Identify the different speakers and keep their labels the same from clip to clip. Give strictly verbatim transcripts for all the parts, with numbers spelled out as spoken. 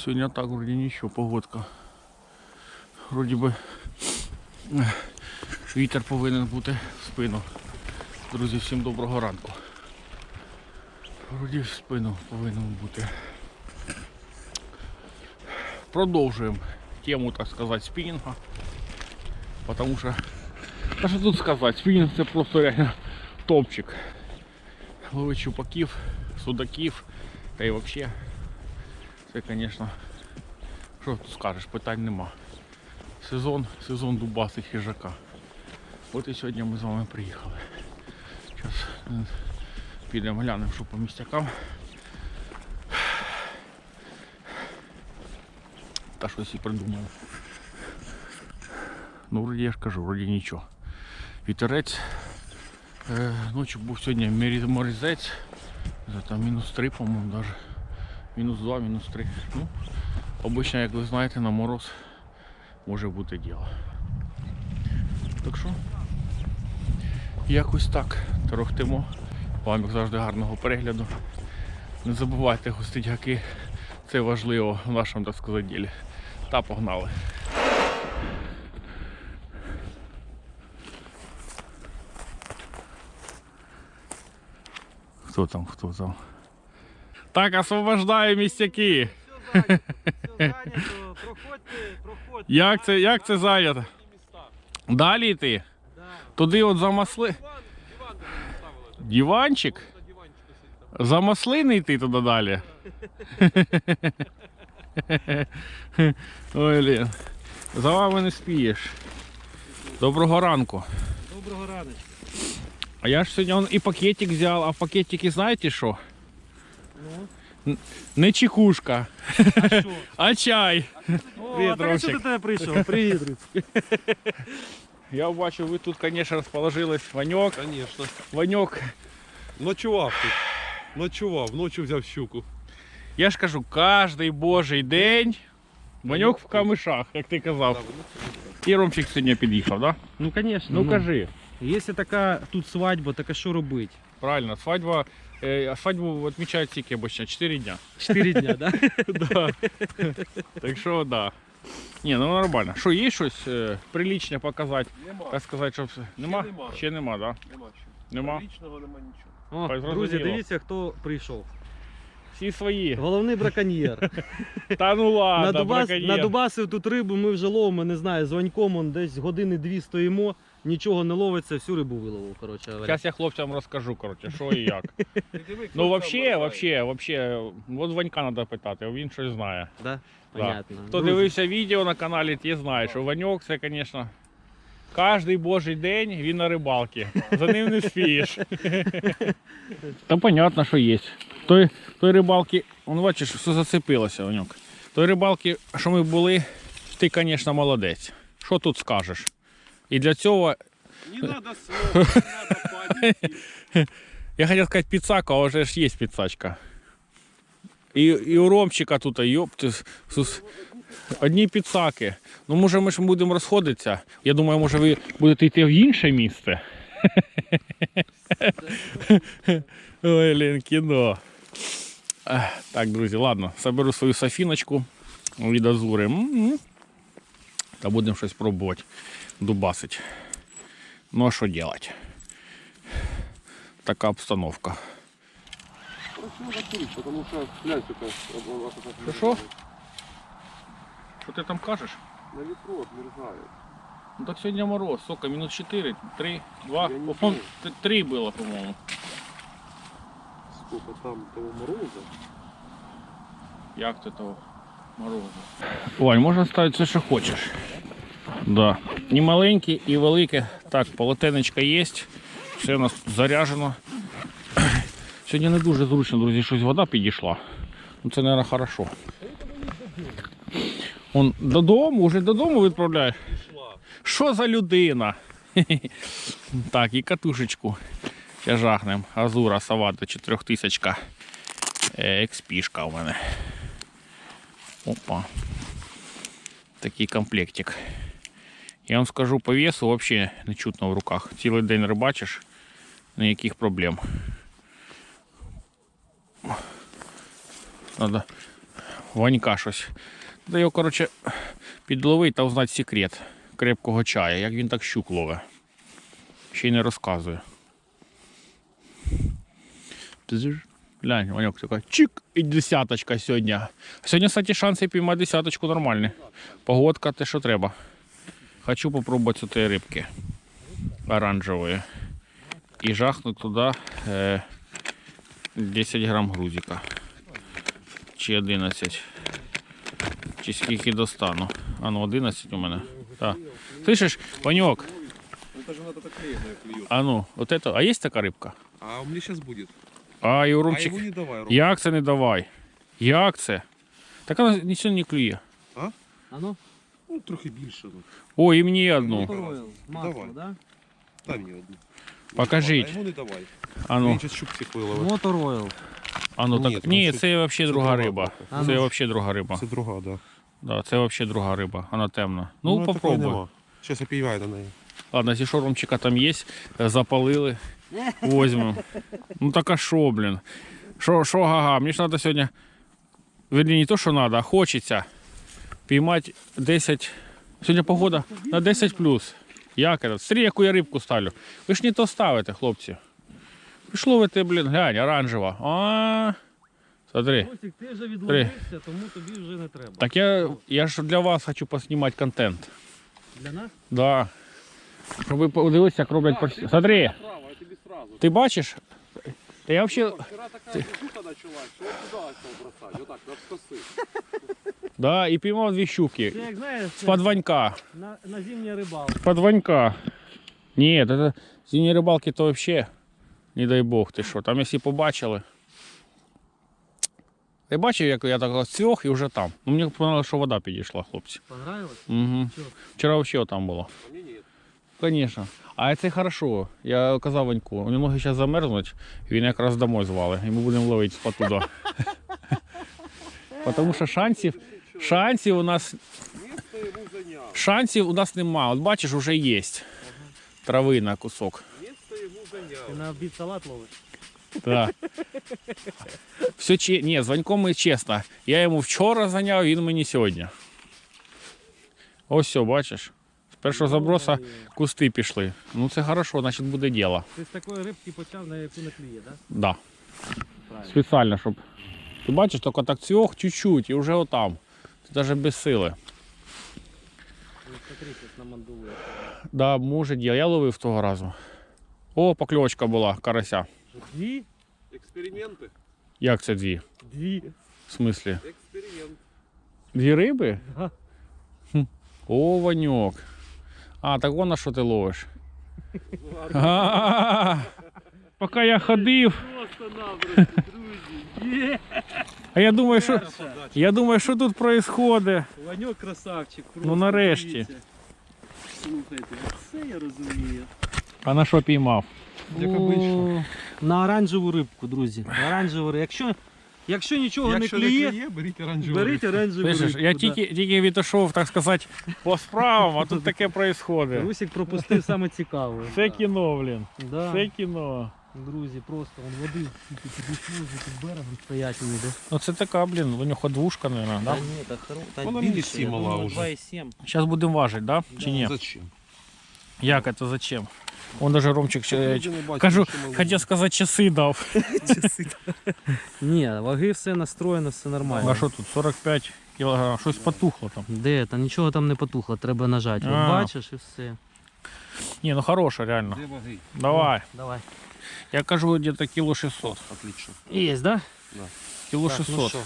Speaker 1: Сьогодні так вроді нічого, погодка. Вроді би вітер повинен бути в спину. Друзі, всім доброго ранку. Вроді в спину повинен бути. Продовжуємо тему, так сказати, спінінга. Потому що, а що тут сказати, спінінг це просто реально топчик. Ловить щупаків, судаків, та й взагалі. Це, звісно, що тут скажеш, питань нема. Сезон, сезон дубасих хижака. От і сьогодні ми з вами приїхали. Зараз підемо глянемо, що по містякам. Та щось і придумали. Ну, вроді я ж кажу, вроді нічого. Вітерець. Е, ночі був сьогодні морізець. Там мінус три, по-моєму, навіть. Мінус два, мінус три. Ну, обично, як ви знаєте, на мороз може бути діло. Так що, якось так торохтимо. Вам, як завжди, гарного перегляду. Не забувайте гостить гаки. Це важливо в нашому, так сказати, ділі. Та погнали. Хто там, хто там? Так, освобождаю містяки.
Speaker 2: Все зайнято, все зайнято. Проходьте, проходьте.
Speaker 1: Як це, як це зайнято? Далі йти?
Speaker 2: Да.
Speaker 1: Туди от за масли...
Speaker 2: Диван, диван де поставили.
Speaker 1: Диванчик?
Speaker 2: На диванчику сидить там.
Speaker 1: За маслини йти туди далі? Ой, блін. За вами не спієш. Доброго ранку.
Speaker 2: Доброго раночку.
Speaker 1: А я ж сьогодні он і пакетик взяв, а в пакетике знаєте що?
Speaker 2: Ну?
Speaker 1: Не чекушка,
Speaker 2: А що?
Speaker 1: а чай.
Speaker 2: О,
Speaker 1: Привіт,
Speaker 2: а так а що
Speaker 1: Ромчик.
Speaker 2: до тебе прийшов? Привіт, Руцький.
Speaker 1: Я бачу, ви тут, звісно, розположились. Ваньок,
Speaker 3: Конечно.
Speaker 1: Ваньок.
Speaker 3: Ночував тут. Ночував, ночі взяв щуку.
Speaker 1: Я ж кажу, кожний божий день Ваньок в камишах, як ти казав. І Ромчик сьогодні під'їхав, так? Да?
Speaker 2: Ну, звісно.
Speaker 1: Ну кажи.
Speaker 2: Якщо така тут свадьба, так а що робити?
Speaker 1: Правильно, свадьба, е, свадьбу відмічають тільки обычно чотири дня.
Speaker 2: Чотири дня, так?
Speaker 1: Да. Так що, да. Ні, ну нормально. Що, є щось е, приличне показати?
Speaker 3: Нема.
Speaker 1: Так сказати, щоб... Нема?
Speaker 3: нема.
Speaker 1: Ще нема, так? Да?
Speaker 3: Нема ще.
Speaker 1: Нема?
Speaker 3: Лічного нема нічого.
Speaker 2: О,
Speaker 1: Так,
Speaker 2: друзі,
Speaker 1: зрозуміло.
Speaker 2: дивіться, хто прийшов.
Speaker 1: Всі свої.
Speaker 2: Головний браконьєр.
Speaker 1: Та ну ладно,
Speaker 2: на, Дубас,
Speaker 1: браконьєр.
Speaker 2: на Дубасів тут рибу ми вже ловимо, не знаю, з Ваньком он десь години дві стоїмо, нічого не ловиться, всю рибу виловив, коротше говоря.
Speaker 1: Зараз я хлопцям розкажу, коротше, що і як.
Speaker 3: Ти диви, хто
Speaker 1: Ну,
Speaker 3: там
Speaker 1: вообще,
Speaker 3: лазає.
Speaker 1: вообще, вообще, от Ванька треба питати, він щось знає.
Speaker 2: Да?
Speaker 1: Да.
Speaker 2: Понятно.
Speaker 1: Хто
Speaker 2: Друзі,
Speaker 1: дивився відео на каналі, ті знає, що Ваньок це, звісно, кожний божий день він на рибалці. За ним не спієш. Та понятно, що є. Той, той рибалки, он бачиш, все зацепилося, Ваньок. Той рибалки, що ми були, ти, звісно, молодець. Що тут скажеш? І для цього,
Speaker 3: Не треба слов, не треба паніки.
Speaker 1: я хотів сказати підсака, а вже ж є підсачка. І, і у Ромчика тут, йопти, сус, одні підсаки. Ну, може, ми ж будемо розходитися. Я думаю, може, ви будете йти в інше місце. Ой, блін, кіно. Ех, так, друзі, ладно, заберу свою софіночку від Азури. М-м-м. Та будемо щось пробувати дубасить. Ну, а що робити? Така обстановка.
Speaker 3: Прошу закурить, потому что глянь, сука,
Speaker 1: Що, що? Що ти там кажеш?
Speaker 3: на ветру отмерзает.
Speaker 1: Ну так сьогодні мороз, сука, мінус чотири, три, два,
Speaker 3: Я не
Speaker 1: по-моєму, три було, по-моєму.
Speaker 3: Сколько там того мороза.
Speaker 1: Як ти того морозу? Вань, можна ставити все, що хочеш. Да. І маленькі, і велике. Так, полотенечко є. Все у нас заряджено. Сьогодні не дуже зручно, друзі, щось вода підійшла. Ну це, мабуть, хорошо. Он додому, вже додому відправляєш? Що за людина? Так, і катушечку ще жахнем. Азура Савата чотирьохтисячка. Експішка у мене. Опа. Такий комплектик. Я вам скажу, по весу взагалі не чутно в руках. Цілий день рибачиш, ніяких проблем. Надо Ванька щось. Треба його, коротше, підловити та узнати секрет крепкого чая, як він так щук ловить. Ще й не розказує. Глянь, Ваньок така чик і десяточка сьогодні. Сьогодні, кстати, шанси піймати десяточку нормальні. Погодка те, що треба. Хочу попробувати цієї рибки оранжевої. І жахнуть туди е, десять грам грузика. Чи одинадцять. Чи скільки достану. А ну одинадцять у мене. Так. Слышиш, Ваньок?
Speaker 3: Это же надо так клеенное клюет.
Speaker 1: А ну, вот это. А є така рибка?
Speaker 3: А у меня сейчас будет.
Speaker 1: А, і у
Speaker 3: А
Speaker 1: Ромчик.
Speaker 3: ему не давай, Ром.
Speaker 1: Як це не давай? Як це? Так вона нічого не клює.
Speaker 2: А ну?
Speaker 3: Ну, трохи більше. Ну.
Speaker 1: О, і мені одну.
Speaker 2: Моторойл. Масло,
Speaker 3: Давай.
Speaker 2: да?
Speaker 3: Дай мені одну.
Speaker 1: Покажіть.
Speaker 3: А йому не давай.
Speaker 1: А ну,
Speaker 3: Він зараз щук всіх виловить.
Speaker 2: Моторойл.
Speaker 1: а ну
Speaker 3: Ні,
Speaker 1: так.
Speaker 3: там
Speaker 1: Ні,
Speaker 3: це-
Speaker 1: це взагалі
Speaker 3: це
Speaker 1: друга
Speaker 3: друга
Speaker 1: риба.
Speaker 3: рибка.
Speaker 2: А
Speaker 1: Це
Speaker 2: ну.
Speaker 1: взагалі друга риба.
Speaker 3: Це друга, да.
Speaker 1: Да, це взагалі друга риба. Вона темна. Ну,
Speaker 3: такої
Speaker 1: попробуй.
Speaker 3: нема. Щас я піймаю на неї.
Speaker 1: Ладно, якщо Ромчика там є, запалили, возьмемо. Ну так а що, блін? Що, що, га-га, мені ж треба сьогодні, верні, не то, що треба, а хочеться піймати десять, сьогодні погода на десять плюс. Як це? Смотри, яку я рибку ставлю. Ви ж не то ставите, хлопці. Ви ж ловите, блін, глянь, оранжева. А, смотри.
Speaker 2: Росик, ти вже відловився, тому тобі вже не треба.
Speaker 1: Так я, я ж для вас хочу поснімати контент.
Speaker 2: Для нас?
Speaker 1: Да. Щоб ви подивилися, як роблять порсі. Смотри,
Speaker 3: Право, я тобі сразу.
Speaker 1: ти бачиш? Та я взагалі...
Speaker 3: Вчора така движуха началась, що я туди став бросати. Отак, навскоси.
Speaker 1: Да, і піймав дві щуки.
Speaker 2: Це як знаєш,
Speaker 1: З подванька.
Speaker 2: на, на зимній рибалці.
Speaker 1: З подванька. Ні, це зимні рибалки то взагалі, не дай Бог, ти що, там якщо побачили. Ти бачив, як я так цьох і вже там. Ну, мені подобалося, що вода підійшла, хлопці.
Speaker 2: Понравилось?
Speaker 1: Угу.
Speaker 2: Чого?
Speaker 1: Вчора взагалі там було.
Speaker 3: А мені ні.
Speaker 1: Конечно. А це хорошо. Я казав Ваньку, у нього зараз замерзнуть, він якраз домой звали. І ми будемо ловити спотуда. Тому що шансів, шансів у нас,
Speaker 3: Місто йому зайняв.
Speaker 1: шансів у нас нема. От бачиш, вже є. Трави на кусок.
Speaker 3: Місто йому зайняв.
Speaker 2: Ти на обід салат ловиш?
Speaker 1: Так. Все че... Ні, з Ваньком ми чесно. Я йому вчора зайняв, він мені сьогодні. Ось все, бачиш. З першого заброса кусти пішли. Ну це хорошо, значить буде діло.
Speaker 2: Ти з такої рибки почав, на яку не клює, так?
Speaker 1: Да.
Speaker 2: Правильно.
Speaker 1: Спеціально, щоб. Ти бачиш, тільки так цьох чуть-чуть і вже отам. Ти навіть без сили.
Speaker 2: Ну, смотри, щось намандулує.
Speaker 1: Да, може діло. Я ловив того разу. О, покльовочка була, карася.
Speaker 2: Дві?
Speaker 3: Експерименти.
Speaker 1: Як це дві?
Speaker 2: Дві.
Speaker 1: В смислі?
Speaker 3: Експеримент.
Speaker 1: Дві риби?
Speaker 2: Да.
Speaker 1: О, Ваньок. А, так вон на що ти ловиш? А, поки я ходив.
Speaker 2: Просто-напросто, друзі. Є!
Speaker 1: А я думаю, що, я думаю, що тут відбувається.
Speaker 2: Ваньок красавчик.
Speaker 1: Ну,
Speaker 2: просто,
Speaker 1: нарешті.
Speaker 2: дивіться. Слухайте, це я розумію.
Speaker 1: А на що піймав?
Speaker 3: Як обично.
Speaker 2: На оранжеву рибку, друзі. На оранжеву рибку. Якщо, якщо нічого
Speaker 3: Якщо
Speaker 2: не клює,
Speaker 3: клює, беріть оранжеву.
Speaker 2: беріть оранжеву
Speaker 1: Слышиш,
Speaker 2: рибку.
Speaker 1: я
Speaker 2: да.
Speaker 1: тільки, тільки відійшов, так сказати, по справам, а тут таке відбувається.
Speaker 2: Русик пропустив саме цікаве.
Speaker 1: Це кіно, блін.
Speaker 2: Да.
Speaker 1: Це кіно.
Speaker 2: Друзі, просто вон води тільки підійшли, вже під берегом стоять вони, да?
Speaker 1: Ну це така, блін, у нього двушка, мабуть, да?
Speaker 2: ні, так, та
Speaker 3: Вона мені сім мала вже.
Speaker 2: два і сім.
Speaker 1: Зараз будемо важити, да? Чи ні?
Speaker 3: Зачем?
Speaker 1: Як це, зачем? Он даже Ромчик, ще-
Speaker 3: Люди не бачать,
Speaker 1: кажу,
Speaker 3: що ми ловимо.
Speaker 1: хотів сказати, часи дав.
Speaker 2: Ні, ваги все настроєно, все нормально.
Speaker 1: А що тут, сорок п'ять кілограм, щось потухло там.
Speaker 2: Де? Та нічого там не потухло, треба нажати. От
Speaker 1: А.
Speaker 2: бачиш і все.
Speaker 1: Ні, ну хороше, реально.
Speaker 3: Де ваги?
Speaker 1: Давай.
Speaker 2: Давай.
Speaker 1: Я кажу, где-то кіло шістсот.
Speaker 3: Отлично.
Speaker 2: Є, да?
Speaker 1: Кіло
Speaker 2: Так, ну
Speaker 1: шістсот.
Speaker 2: що?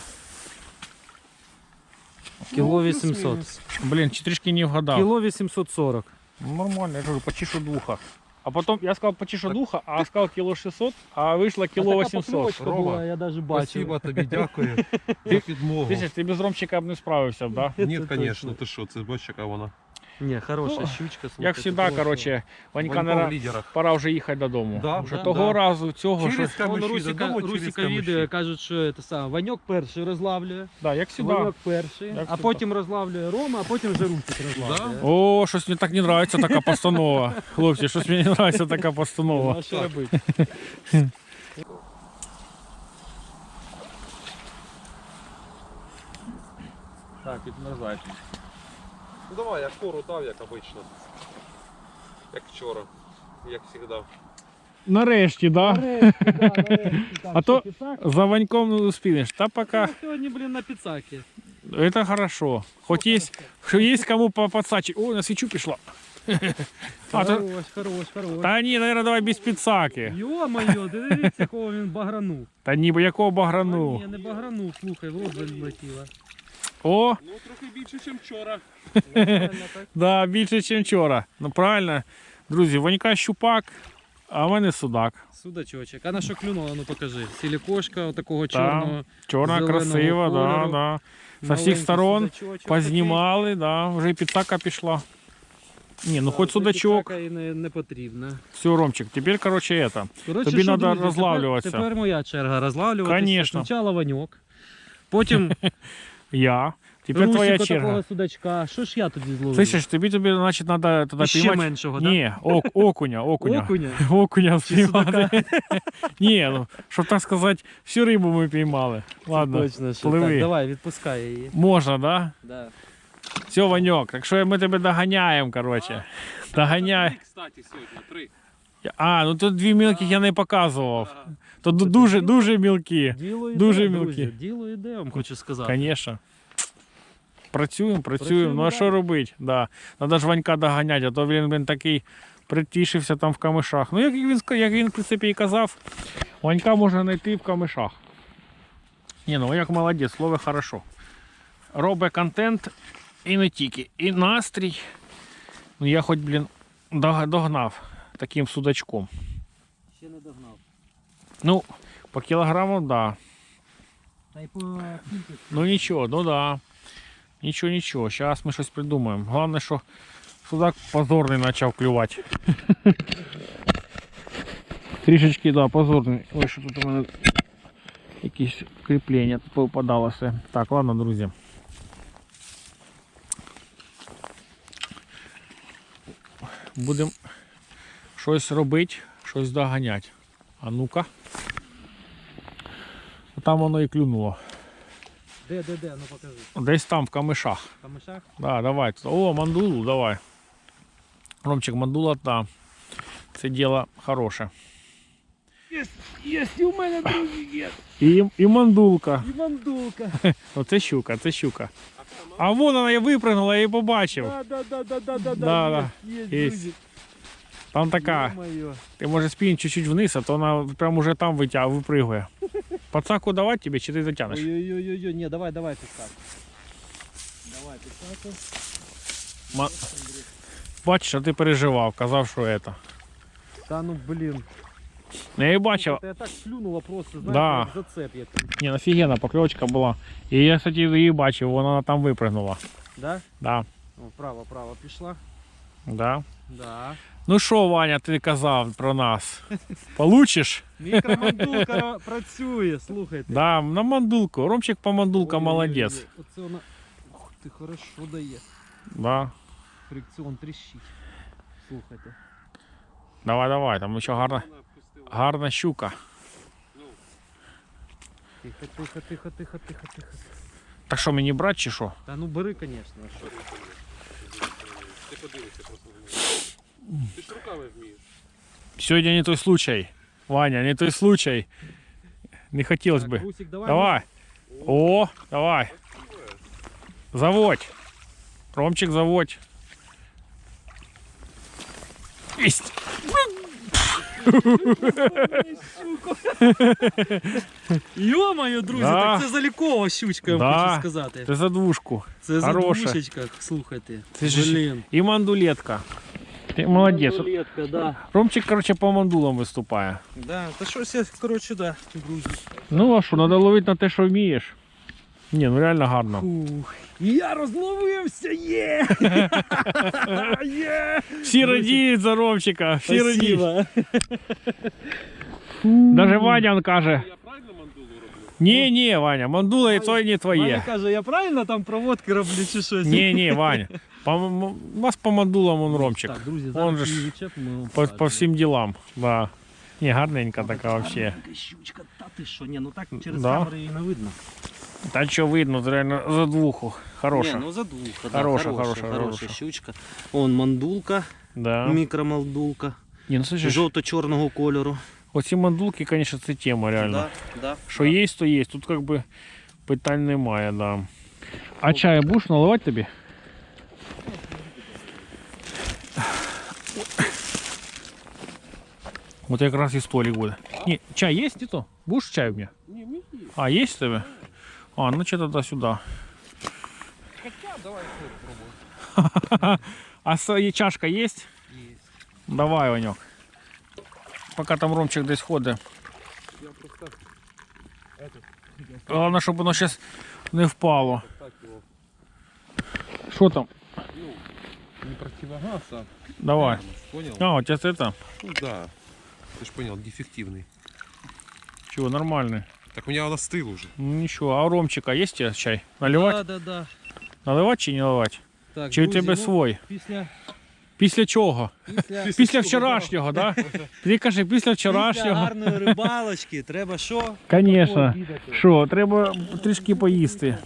Speaker 2: Кіло
Speaker 3: Ну,
Speaker 2: вісімсот.
Speaker 3: плюс-мінус.
Speaker 1: Блін, чи трішки не вгадав.
Speaker 2: Кіло вісімсот сорок.
Speaker 1: Ну, нормально, я кажу, почишу духа. А потім я сказав почишу духа, а сказав кіло шістсот, а вийшло кіло вісімсот.
Speaker 3: Рома,
Speaker 2: я навіть бачив.
Speaker 3: Спасибо тобі, дякую за підмогу.
Speaker 1: Ти, ти без Ромчика б не справився б, да?
Speaker 3: Ні,
Speaker 2: Це
Speaker 3: звісно,
Speaker 2: точно.
Speaker 3: ти що, це бачиш, яка вона.
Speaker 2: Ні, хороша
Speaker 1: Ну,
Speaker 2: щучка.
Speaker 1: Як
Speaker 2: слухайте,
Speaker 1: завжди,
Speaker 2: просто.
Speaker 1: коротше, Ванька,
Speaker 3: Ванько в
Speaker 1: наверное,
Speaker 3: лідерах.
Speaker 1: пора вже їхати додому.
Speaker 3: Да,
Speaker 1: Вже
Speaker 2: да,
Speaker 1: того
Speaker 3: да.
Speaker 1: разу, цього,
Speaker 3: Через
Speaker 1: що...
Speaker 2: Вон
Speaker 3: камиші
Speaker 2: Русика,
Speaker 3: додому, через
Speaker 2: Русика
Speaker 3: камиші.
Speaker 2: відео кажуть, що це саме. Ваньок перший розлавлює,
Speaker 1: Да, як завжди.
Speaker 2: Ваньок перший,
Speaker 1: Як
Speaker 2: а
Speaker 1: завжди.
Speaker 2: потім розлавлює Рома, а потім вже Русик розлавлює.
Speaker 1: О, щось мені так не подобається така постанова. Хлопці, щось мені не подобається така постанова.
Speaker 2: А що робити?
Speaker 1: підмерзають.
Speaker 3: Ну давай, я кору дав, як обично. Як вчора. Як завжди.
Speaker 1: Нарешті, да?
Speaker 2: Нарешті, да, нарешті. Так,
Speaker 1: А
Speaker 2: що,
Speaker 1: то
Speaker 2: піцак?
Speaker 1: за Ваньком не успінеш. Та пока.
Speaker 2: Ну, сьогодні, блін, на піцакі.
Speaker 1: Это хорошо. Хоть есть, есть кому по- подсачить. Ой, на свечу пішла. А, то,
Speaker 2: Хорош, хорош, хорош.
Speaker 1: та ні, наверное, давай без піцаки.
Speaker 2: Йо-моє, дивіться, якого він багранув.
Speaker 1: Та ні, бо якого
Speaker 2: А,
Speaker 1: баграну.
Speaker 2: ні, не багранув, слухай, в рот залетіло.
Speaker 1: О,
Speaker 3: Ну трохи більше, ніж вчора.
Speaker 2: Нормально так.
Speaker 1: да, більше, ніж вчора. Ну правильно. Друзі, Ванька щупак, а в мене судак.
Speaker 2: Судачочок. А на що клюнула, ну покажи. Сілікошка отакого
Speaker 1: Та,
Speaker 2: чорного.
Speaker 1: Чорна,
Speaker 2: зеленого
Speaker 1: красива, да,
Speaker 2: кольору.
Speaker 1: да. З
Speaker 2: Маленький
Speaker 1: усіх сторон
Speaker 2: судачочок
Speaker 1: познімали, да, вже і піцака пішла. Ні, ну
Speaker 2: такий.
Speaker 1: хоч
Speaker 2: Да,
Speaker 1: судачок.
Speaker 2: піцака і не, не потрібно.
Speaker 1: Все, Ромчик, тепер, короче, это.
Speaker 2: Коротше,
Speaker 1: Тобі
Speaker 2: що,
Speaker 1: надо
Speaker 2: друзі,
Speaker 1: розлавлюватися.
Speaker 2: Тепер, тепер моя черга розлавлюватися.
Speaker 1: Конечно.
Speaker 2: Спочатку Ваньок, потім
Speaker 1: Я. Тепер твоя
Speaker 2: Русіка
Speaker 1: черга.
Speaker 2: такого судачка. Що ж я тоді зловив?
Speaker 1: Слышиш, тобі, тобі, значить, надо тоді
Speaker 2: І ще
Speaker 1: піймати.
Speaker 2: меншого, так?
Speaker 1: Ні, ок, окуня, окуня.
Speaker 2: Окуня?
Speaker 1: Окуня
Speaker 2: Чи судака?
Speaker 1: спіймати. Ні, ну, щоб так сказати, всю рибу ми піймали. Ладно,
Speaker 2: Точно, що.
Speaker 1: пливи.
Speaker 2: Так, давай, відпускай її.
Speaker 1: можна, да?
Speaker 2: Да.
Speaker 1: Все, Ваньок, так що ми тебе доганяємо, короче. Доганяй.
Speaker 3: Три, кстати, сьогодні, три.
Speaker 1: А, ну тут дві мілких я не показував. То ду- дуже, дуже мілкі.
Speaker 2: Діло йде,
Speaker 1: Дуже
Speaker 2: друзі,
Speaker 1: мілкі.
Speaker 2: Діло йде, я вам хочу сказати.
Speaker 1: Конечно. Працюємо, працюємо.
Speaker 2: Працюємо
Speaker 1: Ну а що
Speaker 2: далі.
Speaker 1: робити? Да. Надо ж Ванька доганяти, а то він, він такий притішився там в камишах. Ну як він, ска- як він в принципі і казав, Ванька можна знайти в камишах. Ні, ну як молодець, слово хорошо. Робить контент і не тільки. І настрій. Ну я хоч, блін, дог- догнав таким судачком.
Speaker 2: Ще не догнав.
Speaker 1: Ну, по кілограму, да.
Speaker 2: Та й по кількості.
Speaker 1: Ну нічого, ну да. Нічого, нічого. Зараз ми щось придумаємо. Головне, що судак позорний почав клювати. Трішечки, да, позорний. Ой, що тут у мене якісь кріплення тут попадалося. Так, ладно, друзі. Будемо щось робити, щось доганяти. А ну-ка. Там воно і клюнуло.
Speaker 2: Де, де, де, ну покажи.
Speaker 1: Десь там в камишах.
Speaker 2: В камишах?
Speaker 1: Да, давай. О, мандулу, давай. Ромчик, мандула, да. Це діло хороше.
Speaker 2: Єсть, єсть, і у мене, друзі, є.
Speaker 1: І, і мандулка.
Speaker 2: І мандулка.
Speaker 1: Оце щука, це щука. А вон вона я випрыгнула, я її побачив.
Speaker 2: Да, да, да, да, да, да,
Speaker 1: Да, да.
Speaker 2: Є,
Speaker 1: Єсть.
Speaker 2: є, друзі.
Speaker 1: Там така.
Speaker 2: Ё-моё.
Speaker 1: Ти може спінь чуть-чуть вниз, а то вона прямо уже там витяг, випригує. Пацаку давати тобі, чи ти затягнеш?
Speaker 2: Ой-ой-ой, ні, давай, давай піцаку. Давай піцаку.
Speaker 1: Ма... Бачиш, а ти переживав, казав, що це.
Speaker 2: Та ну, блін.
Speaker 1: Ну, я і бачив.
Speaker 2: Я так плюнула просто, знаєте,
Speaker 1: Да.
Speaker 2: як зацеп який.
Speaker 1: Ні, офігенна покльовочка була. І я, кстати, її бачив, вона там випригнула.
Speaker 2: Да?
Speaker 1: Да,
Speaker 2: О, право, право пішла.
Speaker 1: да.
Speaker 2: Да.
Speaker 1: Ну що, Ваня, ти казав про нас? Получиш?
Speaker 2: Мікромандулка ра- працює, слухайте.
Speaker 1: Да, на мандулку. Ромчик по мандулка
Speaker 2: Ой-ой-ой,
Speaker 1: молодець.
Speaker 2: Оце вона. Ух ти, хорошо дає.
Speaker 1: Да.
Speaker 2: Фрикціон тріщить. Слухайте.
Speaker 1: Давай, давай, там ще гарна,
Speaker 3: Вона пустила.
Speaker 1: гарна щука.
Speaker 2: Тихо, тихо, тихо, тихо, тихо, тихо.
Speaker 1: Так що, мені брати чи що?
Speaker 2: Та ну бери, звісно. а що?
Speaker 3: Ти подивися просто на нього. Ти ж руками вмієш.
Speaker 1: Сьогодні не той случай. Ваня, не той случай. Не хотілося
Speaker 2: Так,
Speaker 1: би.
Speaker 2: Русик, давай.
Speaker 1: Давай. О, давай. Заводь. Ромчик, заводь. Есть.
Speaker 2: Йо-моє, друзі,
Speaker 1: Да.
Speaker 2: так це залікова щучка, я вам
Speaker 1: Да.
Speaker 2: хочу сказати.
Speaker 1: Ти за двушку.
Speaker 2: Це за
Speaker 1: хороша.
Speaker 2: двушечка, слухайте.
Speaker 1: Це ж
Speaker 2: Блін.
Speaker 1: і мандулетка. Ти молодець.
Speaker 2: Рулетка, да.
Speaker 1: Ромчик, короче, по мандулам виступає.
Speaker 2: Да, та щось я, коротше, да, друзі.
Speaker 1: Ну а що, треба ловити на те, що вмієш. Ні, ну реально гарно.
Speaker 2: Фух. Я розловився, є! Є!
Speaker 1: Всі радіють за Ромчика, всі радіють.
Speaker 2: Спасибо.
Speaker 1: Даже Ваня он каже,
Speaker 3: Я правильно мандулу роблю?
Speaker 1: ні, ні, Ваня, мандула і то не
Speaker 2: Ваня
Speaker 1: твоє.
Speaker 2: каже, я правильно там проводки роблю чи щось?
Speaker 1: Ні, ні, Ваня. По, м- у вас по мандулам он Ромчик.
Speaker 2: Так, друзі,
Speaker 1: Он
Speaker 2: зараз
Speaker 1: же ж
Speaker 2: її відчепимо, ми вам
Speaker 1: По,
Speaker 2: покажемо.
Speaker 1: по всім ділам. Да. Ні, гарненька така вообще.
Speaker 2: Гарненька щучка, та ти що, ні, ну так через
Speaker 1: Да.
Speaker 2: камери її не видно.
Speaker 1: Та що видно, реально за двуху. Хороша.
Speaker 2: Не, ну за двух. Да,
Speaker 1: Хороша,
Speaker 2: хорошая,
Speaker 1: хороша,
Speaker 2: хорошая
Speaker 1: хороша.
Speaker 2: щучка. Вон мандулка,
Speaker 1: Да.
Speaker 2: мікромандулка,
Speaker 1: Ні, ну слушай,
Speaker 2: жовто-чорного кольору.
Speaker 1: оці мандулки, конечно, це тема реально.
Speaker 2: Да, да,
Speaker 1: Що
Speaker 2: да.
Speaker 1: є, то є. Тут как би питань немає, да. А чай будеш наливати тобі? Вот якраз і столик буде. Ні, чай є, Тito? Будеш чай у мене?
Speaker 3: Не, мы есть.
Speaker 1: А, є в тебе? А, ну че тогда сюди.
Speaker 3: Хотя, давай попробуем.
Speaker 1: А с- є чашка є?
Speaker 3: Есть.
Speaker 1: Давай, Ванек. Поки там Ромчик десь ходить.
Speaker 3: Я просто
Speaker 1: Головне, щоб воно зараз не впало.
Speaker 3: так его,
Speaker 1: Що там?
Speaker 3: ну, не противогаз, а
Speaker 1: Давай.
Speaker 3: понял?
Speaker 1: А, у тебя это?
Speaker 3: Ну да, ты ж понял, дефективный.
Speaker 1: Чего, нормальный.
Speaker 3: Так у меня он остыл уже.
Speaker 1: Ну ничего, а у Ромчика есть у тебя чай? Наливать?
Speaker 2: Да, да, да.
Speaker 1: Наливать чи не наливать?
Speaker 2: Так,
Speaker 1: Чи у
Speaker 2: друзі,
Speaker 1: тебе
Speaker 2: ну,
Speaker 1: свой?
Speaker 2: Після,
Speaker 1: Після чого?
Speaker 2: після,
Speaker 1: Після вчорашнього, да? Ти кажи, після
Speaker 2: після
Speaker 1: вчорашнього.
Speaker 2: гарної рибалочки треба що?
Speaker 1: Конечно.
Speaker 2: Обідати.
Speaker 1: Що, треба трішки поїсти.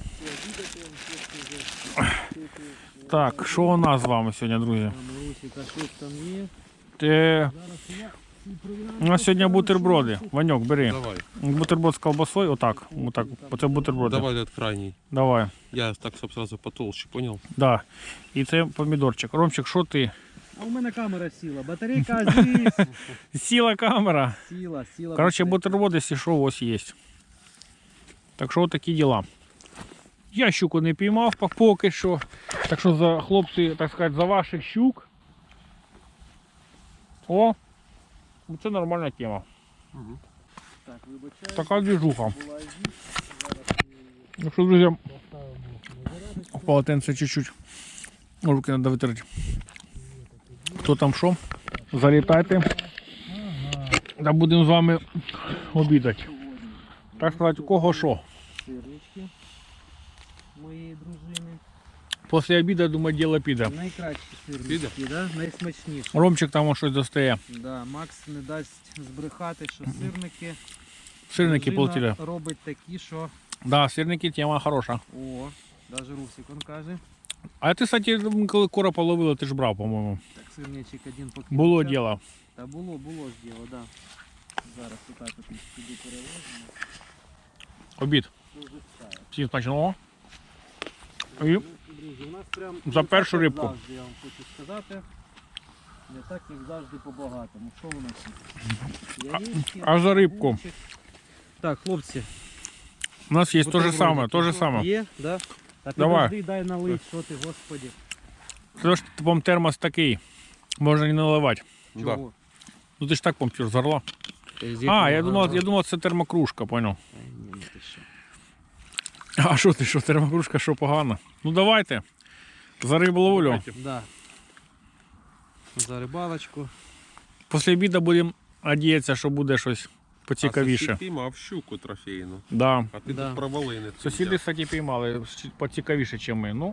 Speaker 1: Так, що у нас з вами сьогодні, друзі?
Speaker 2: Там, Русіка, щось там є.
Speaker 1: Те... У нас сьогодні бутерброди. Ваньок, бери.
Speaker 3: Давай,
Speaker 1: Бутерброд з колбасою, отак. Отак. Оце бутерброди.
Speaker 3: давай этот крайний.
Speaker 1: Давай.
Speaker 3: Я так, чтоб сразу потолще, понял?
Speaker 1: Да. І це помідорчик. Ромчик, що ти?
Speaker 2: А у мене камера сіла, батарейка здесь.
Speaker 1: Сіла камера.
Speaker 2: Сіла, сіла.
Speaker 1: Короче,
Speaker 2: батарейка.
Speaker 1: бутерброди, якщо що, ось є. Так що такі діла. Я щуку не піймав поки що. Так що за хлопці, так сказати, за ваших щук. О! Це нормальна тема.
Speaker 3: Угу.
Speaker 2: Так, вибачаю.
Speaker 1: Така движуха.
Speaker 2: Була здесь. Зараз ми
Speaker 1: Так що, друзі,
Speaker 2: поставимо на зарядочку.
Speaker 1: в полотенце чуть-чуть. Руки треба витерти. Хто там що? Залітайте. Та будемо з вами обідати. Так сказати, у кого що.
Speaker 2: Сирнички моєї дружини.
Speaker 1: Після обіду, думаю, діло піде.
Speaker 2: Найкращі сирнички, да? Найсмачніші.
Speaker 1: Ромчик там щось достає.
Speaker 2: Да, Макс не дасть збрехати, що сирники,
Speaker 1: Сирники
Speaker 2: дружина
Speaker 1: полетіли.
Speaker 2: робить такі, що
Speaker 1: Да, сирники тема хороша.
Speaker 2: о, навіть Русик он каже.
Speaker 1: А ти, кстати, коли коропа ловила, ти ж брав, по-моєму.
Speaker 2: Так, сирничок один поки.
Speaker 1: Було діло.
Speaker 2: Та було, було ж діло, да. Зараз отак от сюди переложимо.
Speaker 1: Обід.
Speaker 2: Дуже стає.
Speaker 1: Всім смачного. І
Speaker 2: Друзі, у нас прям
Speaker 1: За
Speaker 2: не
Speaker 1: першу
Speaker 2: так, як
Speaker 1: рибку.
Speaker 2: завжди, я вам хочу сказати. Не так, як завжди по-багатому. Що у нас є? Яєчки,
Speaker 1: а за рибку?
Speaker 2: курчик. Так, хлопці.
Speaker 1: У нас є те же саме, те же саме.
Speaker 2: Є, да? Та
Speaker 1: Давай.
Speaker 2: підожди, дай налить, що ти, господи.
Speaker 1: Це ж типом термос такий. Можна не наливати.
Speaker 3: Да.
Speaker 2: Чого?
Speaker 1: Ну ти ж так помпір зарла. А, я думав, я думав, це термокружка, понял.
Speaker 2: Ай, ні, ти що.
Speaker 1: А що ти, що термокружка, що погано? Ну давайте. За риболовлю.
Speaker 2: Да. За рибалочку.
Speaker 1: Після обіду будемо надіятися, що буде щось
Speaker 3: А
Speaker 1: поцікавіше.
Speaker 3: сусід піймав щуку трофейну.
Speaker 1: Да.
Speaker 3: А ти
Speaker 2: Да.
Speaker 3: тут провалини.
Speaker 1: Сусіди, кстати, піймали поцікавіше, ніж ми. Ну,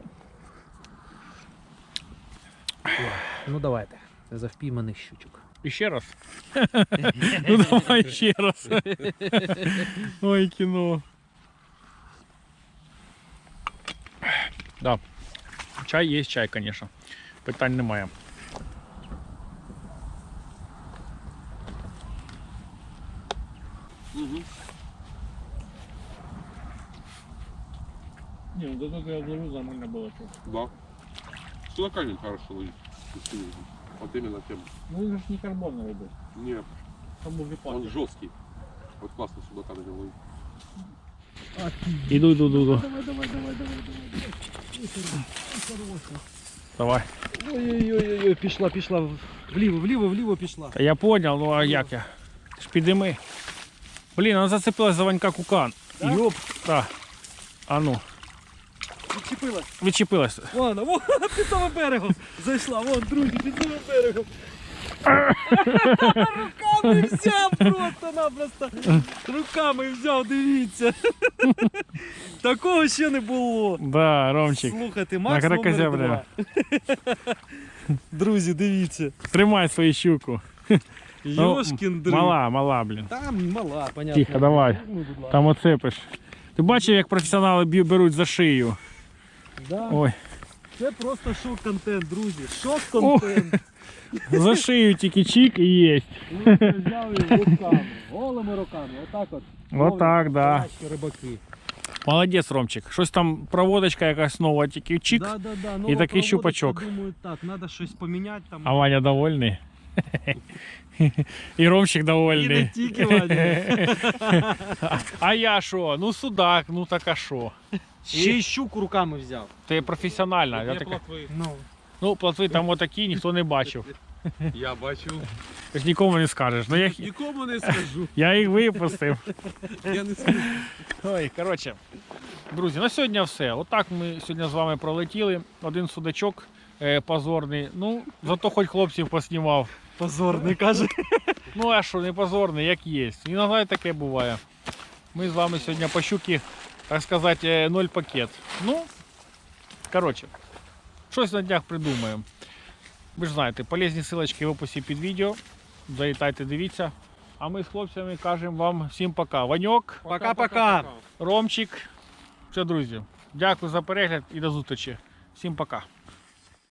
Speaker 2: Ну давайте. За впійманих щучок.
Speaker 1: і ще раз. Ну давай ще раз. Ой, кіно. Да. Чай є чай, звісно. Питань немає.
Speaker 3: Угу.
Speaker 1: Не, ну до того я зловил, нормально было.
Speaker 3: Да. Сюда камень хорошо ловить. Вот именно тем.
Speaker 1: Ну это же не карбоновый был.
Speaker 3: Нет,
Speaker 1: Там был
Speaker 3: он
Speaker 1: випадок.
Speaker 3: жесткий. Вот классно сюда камень ловить.
Speaker 1: Иду, иду, иду, иду.
Speaker 2: Давай, давай, давай, давай, давай.
Speaker 1: Давай.
Speaker 2: Ой-ой-ой, пішла, пішла. Вліво, вліво, вліво пішла.
Speaker 1: Та я понял, ну а як я? Ти ж підійми. Блін, вона зацепилась за Ванька кукан.
Speaker 2: Да?
Speaker 1: Йоп, так. А ну,
Speaker 2: Відчепилась.
Speaker 1: відчепилась.
Speaker 2: Вон, вон, під самим берегом. Зайшла, вон, друзі, під самим берегом. Руками взяв просто-напросто. Руками взяв, дивіться. Такого ще не було.
Speaker 1: Да, Ромчик.
Speaker 2: Слухайте,
Speaker 1: На
Speaker 2: Макс номер
Speaker 1: кракозября.
Speaker 2: два. Друзі, дивіться.
Speaker 1: Тримай свою щуку. Ну,
Speaker 2: Йошкін дрин.
Speaker 1: Мала, мала, блін.
Speaker 2: Там мала, понятно.
Speaker 1: Тихо, давай.
Speaker 2: Ну, будь ласка.
Speaker 1: Там оцепиш. Ти бачив, як професіонали б'ю- беруть за шию?
Speaker 2: Да.
Speaker 1: Ой,
Speaker 2: Це просто шок-контент, друзі. Шок-контент.
Speaker 1: за шию тільки чик і єсть.
Speaker 2: Ми це взяли руками, голими руками, отак от.
Speaker 1: Отак, да.
Speaker 2: Настоящі рибаки.
Speaker 1: Молодець, Ромчик. Щось там проводочка якась нова, тільки чик.
Speaker 2: Да, да, да.
Speaker 1: І
Speaker 2: нова
Speaker 1: такий
Speaker 2: проводочка,
Speaker 1: щупачок.
Speaker 2: Думаю, так, треба щось поміняти там.
Speaker 1: А Ваня довольний. І Ромчик
Speaker 2: І не
Speaker 1: довольний.
Speaker 2: тільки Ваня.
Speaker 1: А я що? Ну судак, ну так а що?
Speaker 2: Ще й щуку руками взяв.
Speaker 1: Ти професіональна. Я
Speaker 3: Є
Speaker 1: така...
Speaker 3: плотви.
Speaker 2: Ну.
Speaker 1: Ну, плотви там отакі, ніхто не бачив.
Speaker 3: Я бачу.
Speaker 1: Ти ж нікому не скажеш. Ну, я,
Speaker 3: Нікому не скажу.
Speaker 1: я їх випустив.
Speaker 3: Я не скажу.
Speaker 1: Ой, коротше, друзі, на сьогодні все. Отак ми сьогодні з вами пролетіли. Один судачок е, позорний. Ну, зато хоч хлопців поснімав.
Speaker 2: Позорний, каже.
Speaker 1: Ну, а що, не позорний, як є. Іноді таке буває. Ми з вами сьогодні по щуки, так сказати, е, ноль пакет. Ну, коротше, щось на днях придумаємо. Ви ж знаєте, полезні ссылочки в описі під відео. Залітайте, дивіться. А ми з хлопцями кажемо вам всім пока. Ваньок,
Speaker 2: Пока-пока.
Speaker 1: Ромчик. Все, друзі. Дякую за перегляд і до зустрічі. Всім пока.